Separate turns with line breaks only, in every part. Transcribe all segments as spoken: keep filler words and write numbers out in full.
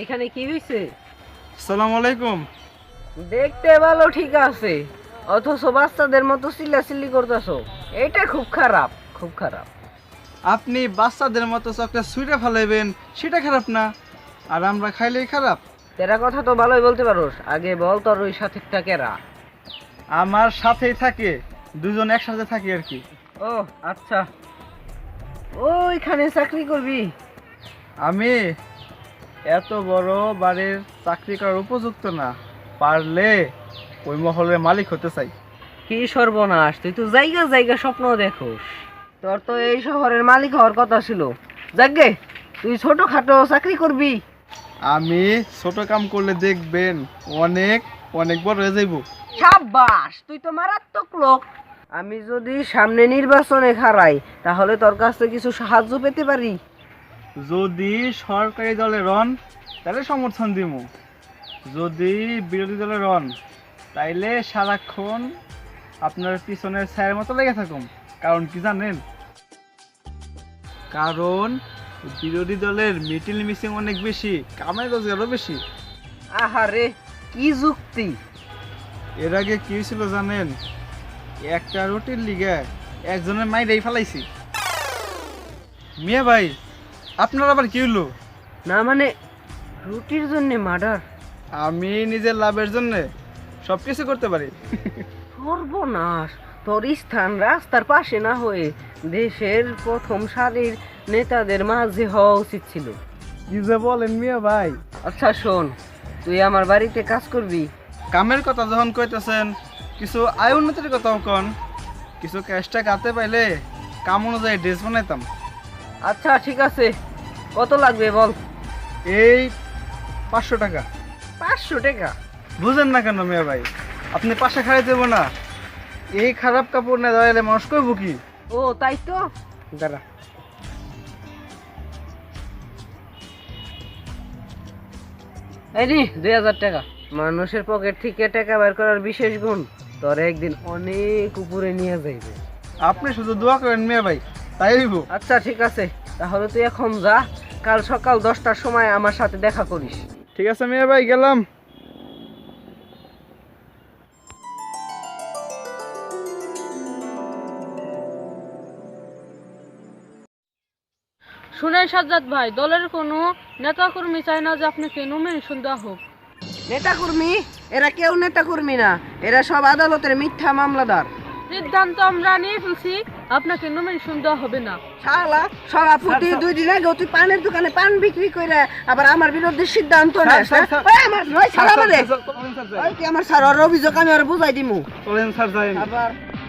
এখানে কি হইছে?
আসসালামু আলাইকুম।
দেখতে ভালো ঠিক আছে, অথচ বাচ্চাদের মতো চিল্লাচিল্লি করতেছো। এটা খুব খারাপ, খুব খারাপ।
আপনি বাচ্চাদের মতো চকলেট সুইটা ফেলাইবেন সেটা খারাপ না, আর আমরা খাইলেই খারাপ?
তেরা কথা তো ভালোই বলতে পারোস, আগে বল তোর ওই সাথীটা কেরা?
আমার সাথেই থাকে, দুজন একসাথে থাকি আর কি।
ও আচ্ছা, ওইখানে চাকরি করবি?
আমি এত বড় বাড়ির চাকরি করার উপযুক্ত না, পারলে ওই মহলের মালিক হতে চাই।
কি সর্বনাশ, তুই তো জায়গা জায়গা স্বপ্ন দেখোস। তোর তো এই শহরের মালিক হওয়ার কথা ছিল। যাকগে, তুই ছোটখাটো চাকরি করবি?
আমি ছোট কাম করলে দেখবেন অনেক অনেক বড় হয়ে যাইব।
সাব্বাস, তুই তো মারাত্মক লোক। আমি যদি সামনে নির্বাচনে হারাই তাহলে তোর কাছ থেকে কিছু সাহায্য পেতে পারি।
যদি সরকারি দলে রন তাহলে সমর্থন দিব, যদি বিরোধী দলে রন তাইলে সারাক্ষণ আপনার পিছনের ছায়ের মতো লেগে থাকুন। কারণ কি জানেন? কারণ বিরোধী দলের মিটিল মিসিং অনেক বেশি, কামাই রোজগারও বেশি।
আহারে, কি যুক্তি!
এর আগে কি ছিল জানেন? একটা রুটির লিগে একজনের মাইরেই ফেলাইছি। মিয়া ভাই, আপনার আবার কি হলো?
না মানে, রুটির জন্য মার্ডার?
আমি নিজের লাভের জন্য সব কিছু করতে পারি।
সর্বনাশ, তোর স্থান রাস্তার পাশে না হয়ে দেশের প্রথম সারির নেতাদের মাঝে হওয়া উচিত ছিল।
কি যে বলেন মিয়া ভাই?
আচ্ছা শোন, তুই আমার বাড়িতে কাজ করবি।
কামের কথা যখন কইতেছেন, কিছু আয় উন্নতির কথাও কন। কিছু ক্যাশটা কাটতে পাইলে কাম অনুযায়ী ড্রেস বানাইতাম।
আচ্ছা ঠিক আছে, কত লাগবে বল?
এই পাঁচশো টাকা।
পাঁচশো টাকা?
বুঝেন না কেন মিয়া ভাই? আপনি পাশে খাড়াই দেবো না? এই খারাপ কাপড় না দাঁড়াইলে মানুষ করব কি?
ও তাই তো।
দাঁড়া,
এই নি দুই হাজার টাকা। মানুষের পকেট থেকে টাকা বের করার বিশেষ গুণ তোর একদিন অনেক উপরে নিয়ে যাইবে।
আপনি শুধু দোয়া করেন মিয়া ভাই, তাই হইব।
আচ্ছা ঠিক আছে, তাহলে তুই এখন যা, কাল সকাল দশটার সময় আমার সাথে দেখা করিস।
ঠিক আছে মিয়া ভাই, গেলাম।
শুনেন সাজ্জাদ ভাই, দলের কোনো নেতাকর্মী চায় না যে আপনাকে নমিনেশন দেওয়া হোক।
নেতাকর্মী? এরা কেউ নেতাকর্মী না, এরা সব আদালতের মিথ্যা মামলাদার।
সিদ্ধান্ত আমরা নিয়ে ফেলছি, আপনাকে নমিনেশন দেওয়া হবে না।
শালা সভাপতি দুই দিন আগে তুই পানের দোকানে পান বিক্রি করে আবার আমার বিরুদ্ধে সিদ্ধান্ত নেস?
স্যার, স্যার,
ওই আমার ওই ছাড়া আমারে।
স্যার, চলেন স্যার, যাই।
ওই কি আমার স্যার, ওর অভিযোগ আমি আর বুঝাই দিমু।
চলেন স্যার, যাই।
আবার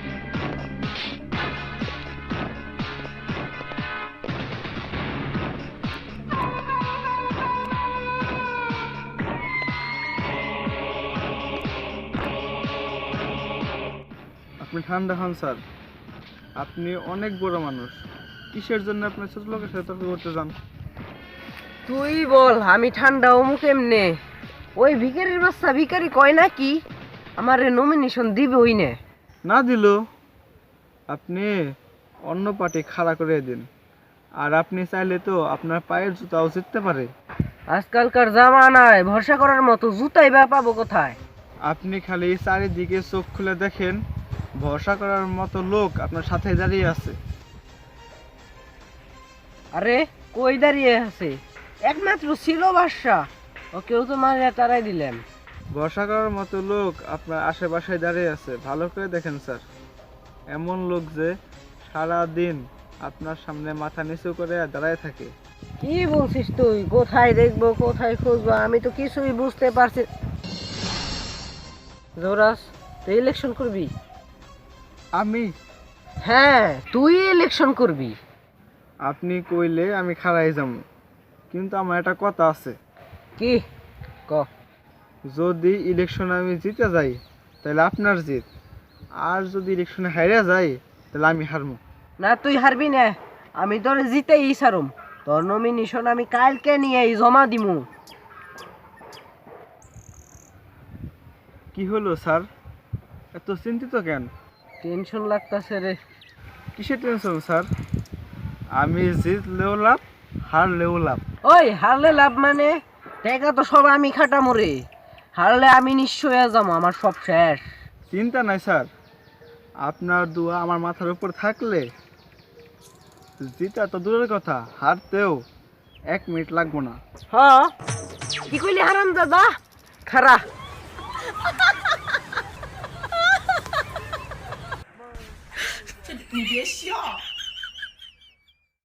আপনি ঠান্ডা হন স্যার, আপনি অনেক বড় মানুষ, কিসের জন্য আপনি ছোট লোকের সাথে তর্ক করতে যান?
তুই বল, আমি ঠান্ডা অমুক এমনে? ওই ভিখারির বাচ্চা ভিখারি কয় নাকি আমার নমিনেশন দিবে ওই নে।
না দিল আপনি অন্য পার্টি খাড়া করে দিন, আর আপনি চাইলে তো আপনার পায়ের জুতাও জিততে পারে।
আজকালকার জামানায় ভরসা করার মতো জুতাই বা পাবো কোথায়?
আপনি খালি চারিদিকে চোখ খুলে দেখেন, ভরসা করার মতো লোক আপনার সাথে দাঁড়িয়ে আছে।
আরে কই দাঁড়িয়ে আছে? একমাত্র ছিল বাদশা, ওকেও তো মারিয়া তারাই দিলেন।
ভরসা করার মতো লোক আপনার আশেপাশে দাঁড়িয়ে আছে, ভালো করে দেখেন স্যার। এমন লোক যে সারা দিন আপনার সামনে মাথা নিচু করে দাঁড়ায় থাকে।
কি বলছিস তুই? কোথায় দেখবো, কোথায় খুঁজবো, আমি তো কিছুই বুঝতে পারছি। জোরাস, তুই ইলেকশন করবি?
আমি?
হ্যাঁ, তুই ইলেকশন করবি।
আপনি কইলে আমি খাড়াই যাবো, কিন্তু আমার একটা কথা আছে।
কি ক?
যদি ইলেকশনে আমি জিতে যাই তাহলে আপনার জিত, আর যদি ইলেকশনে হাইরা যাই তাহলে আমি হারবো।
না তুই হারবি না, আমি তোর জিতেই সারুম। তোর নমিনেশন আমি কালকে নিয়ে জমা দিমু।
কি হলো স্যার, এত চিন্তিত কেন?
টেনশন লাগতাছে রে।
কিসের টেনশন স্যার? আমি জিতলেও লাভ, হারলেও লাভ।
ওই হারলে লাভ মানে? টাকা তো সব আমি খাটামো রে, হারলে আমি নিঃস্ব হয়ে যাবো, আমার সব শেষ।
চিন্তা নাই স্যার, আপনার দোয়া আমার মাথার উপর থাকলে জিতা তো দূরের কথা, হারতেও এক মিনিট লাগবো না।
হ্যাঁ, কি কইলি হারাম দাদা? খারা
你别笑。